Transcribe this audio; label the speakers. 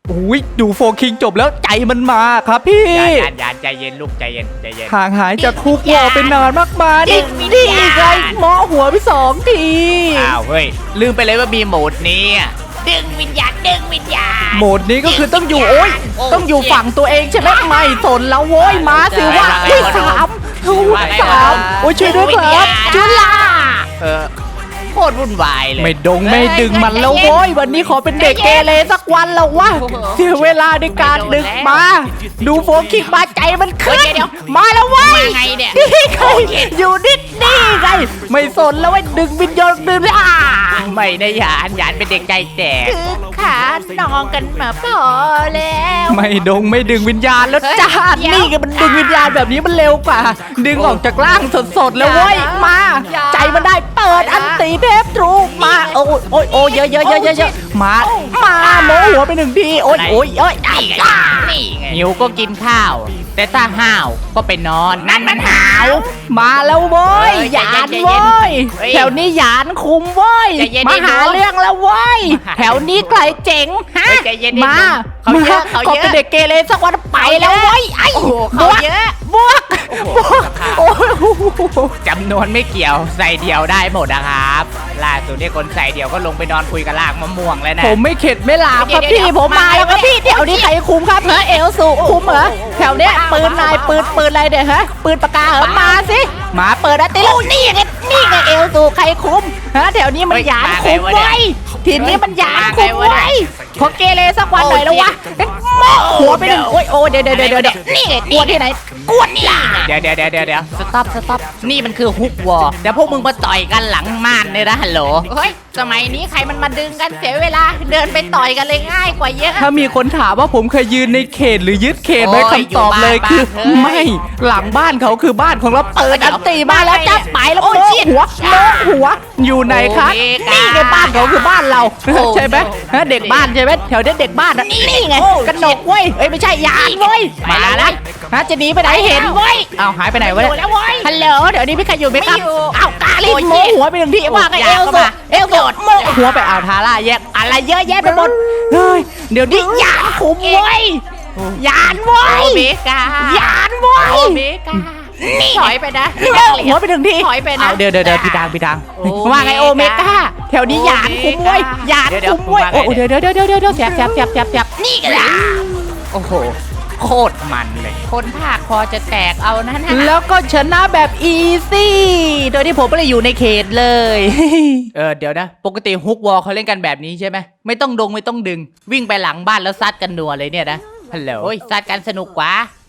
Speaker 1: อุ้ยดูโฟคิงจบแล้วใจมันมาครับพี่
Speaker 2: ยานใจเย็นลูกใจเย็นใจเย็น
Speaker 1: ห่างหายจากคุกวอลเป็นนานมากมายนี่ไงหมอหัวไป2 ที
Speaker 2: อ้าวเฮ้ยลืมไปเลยว่ามีโหมดนี้อะ
Speaker 3: ดึงวิญญาณดึงวิญญาณ
Speaker 1: โหมดนี้ก็คือต้องอยู่โอ้ยต้องอยู่ฝั่งตัวเองใช่ไหมไม่สนแล้วโว้ยมาสิว่าที่3โอ้ยช่วยด้วยครับจุฬา
Speaker 2: โคตรวุ่นวายเลย
Speaker 1: ไม่ดงไม่ดึงมันแล้วโว้ยวันนี้ขอเป็นเด็กเกเรสักวันแล้ววะเสียเวลาในการดึกมา ดูโฟคิกมาใจมันขึ้นมาแล้วเว้ย
Speaker 3: ไงเนี่ย
Speaker 1: นี่ไงอยู่นิดนี่ไงไม่สนแล้วไอ้ดึงวิญญาณดึงเลย
Speaker 2: ไม่นะยานเป็นเด็กใจแตก
Speaker 3: คือขานองกันมาพอแล้ว
Speaker 1: ไม่ดงไม่ดึงวิญญาณแล้วจ้านี่ไงมันดึงวิญญาณแบบนี้มันเร็วกว่า ดึงออกจากร่างสดๆแล้วเว้ยมา ใจมันได้เปิดอันตีเทพทรูมาโอ้ยเยอะมาโมหัวไป1 ทีโอ้ย
Speaker 2: นี่ไงหิวก็กินข้าว แต่ถ้าห้าวก็ไปนอนนั่นมันหาว
Speaker 1: มาแล้วเว้ยหยานเว้ย
Speaker 2: เฮ้ย
Speaker 1: แถวนี้หยานคุมเว้ย
Speaker 2: ใจเย็น
Speaker 1: มาหา
Speaker 2: ไอ้หนู
Speaker 1: เรื่องแล้วเว้ยแถวนี้ใครเจ๋งฮะ
Speaker 2: เฮ้ยใจเย็นไอ้หนู
Speaker 1: มา
Speaker 2: เขาเยอะเขา
Speaker 1: ขอ
Speaker 2: เยอะ
Speaker 1: เป็นเด็กเกเรสักวันไปแล้วเว้ยไอ้
Speaker 2: โอ้โห
Speaker 1: บ
Speaker 2: เขา
Speaker 1: วก
Speaker 2: เยอะ
Speaker 1: บวกโอ้ย
Speaker 2: จำนวนไม่เกี่ยวใส่เดียวได้หมดนะครับล่าสุดที่คนใส่เดียวก็ลงไปนอนคุยกับลากมะม่วงแล้วนะ
Speaker 1: ผมไม่เข็ดไม่หลาบครับ
Speaker 3: เดี๋
Speaker 1: พี่
Speaker 3: ยว
Speaker 1: ผมมาแล้วครับพี่แถวนี้ใครคุมครับเหรอเอลสูคุมเหรอแถวเนี้ยปืนนายปืนอะไรเดี๋ยฮะปืนปากกาเหรอมาสิมาเปิดอะติแล้วนี่ไงเอลสูใครคุมฮะแถวนี้มันหยานคุมไว้ทีนี้มันหยานคุมไว้ขอเกเรสักวันหน่อยแล้ววะโม่หัวไปหนึ่งโอ้ยเดี๋ยวนี่ไงกวนที่ไหนกวนนี่ล่ะ
Speaker 2: เดี๋ยวสต็อปนี่มันคือฮุกวอร์เดี๋ยวพวกมึงมาต่อยกันหลังม่านเนี่ยนะฮัลโหล
Speaker 3: เฮ้ยสมัยนี้ใครมันมาดึงกันเสียเวลาเดินไปต่อยกันเลยง่ายกว่าเยอะ
Speaker 1: ถ้ามีคนถามว่าผมเคยยืนในเขตหรือยึดเขตไหม
Speaker 2: โอ้ย
Speaker 1: คำตอบเลย
Speaker 2: อยู่บ้าน
Speaker 1: คือ
Speaker 2: บ้านเฮ้ย
Speaker 1: ไม่หลังบ้านเขาคือบ้านของเราเปิดอันตีมาแล้วจับไปแล้ว
Speaker 3: โอ้ย
Speaker 1: โม่
Speaker 3: ชิด
Speaker 1: หัวอยู่ไหนครับ
Speaker 2: โอ้ย
Speaker 1: นี่ไงบ้านเขาคือบ้านเรา
Speaker 2: โอ้ย
Speaker 1: ใช่ไหมฮะเด็กบ้านใช่ไหมแถวเนี้ยเด็กบ้านอะนี่ไงกระหนกเว้ยเอ้ยไม่ใช่ยานเว้ยมาแล้วฮะจะหนีไปไหนเห็นเว้ยเอาหายไปไหนวะ
Speaker 3: อยู่แล้วเว้ย
Speaker 1: ฮัลโหลเดี๋ยวนี้พี่ใครอยู่ไหมครับ
Speaker 3: ไม่อยู่
Speaker 1: เอากาลิ
Speaker 3: โอ้ย
Speaker 1: โมหัวไปหนึ่งทีว่าไง
Speaker 2: อยาก
Speaker 1: เอล
Speaker 2: เข้า
Speaker 1: โซ
Speaker 2: มา
Speaker 1: โมหัวไปเอาทาร่าแยกอะไรเยอะแยะไปหมดเฮ้ยเดี๋ยวนี้ยานคุมเว้ยยานเว้
Speaker 3: โอย เมกาย
Speaker 1: านเว้ย
Speaker 3: โอเมกานี่ถอยไปนะ
Speaker 1: โมหัวไปหนึ่งที
Speaker 3: ถอยไปนะ
Speaker 1: เอาเดี๋ยวพี่ดัง
Speaker 3: โอเมก้า
Speaker 1: ว่าไงโอเมก้าแถวนี้ยานคุมเว้ยยานคุมเว้ยโอ้เดี๋ยวแสบ
Speaker 3: นี่กันละ
Speaker 2: โอ้โหโคตรมันเลย
Speaker 3: คนภาคคอจะแตกเอานะนะ
Speaker 1: แล้วก็ชนะแบบอีซี่โดยที่ผมไม่ได้อยู่ในเขตเลย
Speaker 2: เดี๋ยวนะปกติฮุกวอลเขาเล่นกันแบบนี้ใช่ไหมไม่ต้องไม่ต้องดึง วิ่งไปหลังบ้านแล้วซัดกันนัวเลยเนี่ยนะฮัลโหลโอ้ยซัดกันสนุกกว่า